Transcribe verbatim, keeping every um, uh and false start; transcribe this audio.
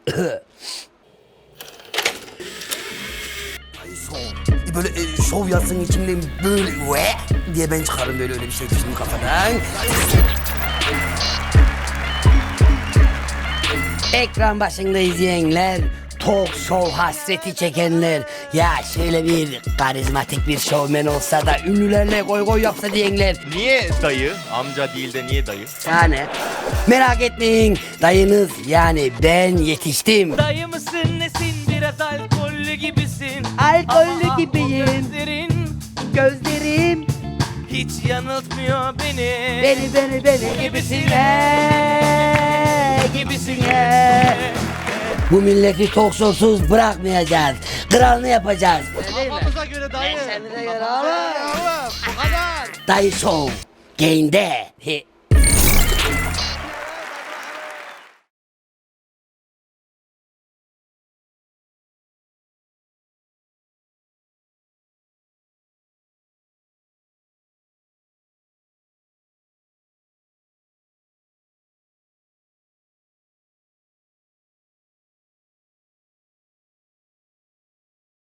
Böyle e, şov yazsın içimden böyle ve diye ben çıkarım böyle öyle bir şey şimdi kafadan. Ekran başında izleyenler, talk show hasreti çekenler, ya şöyle bir karizmatik bir şovmen olsa da ünlülerle goy goy yapsa diyenler. Niye dayı? Amca değil de niye dayı? Yani merak etmeyin, dayınız yani ben yetiştim. Dayı mısın nesin biraz alkollü gibisin. Alkollü Ama gibiyim. o gözlerin Gözlerim hiç yanıltmıyor beni. beni beni beni gibisine gibisine. Bu milleti talk show'suz bırakmayacağız. Kralını yapacağız. Kafamıza göre dayı. Kendine göre oğlum. Oğlum bu kadar. Dayı Show. Gain'de.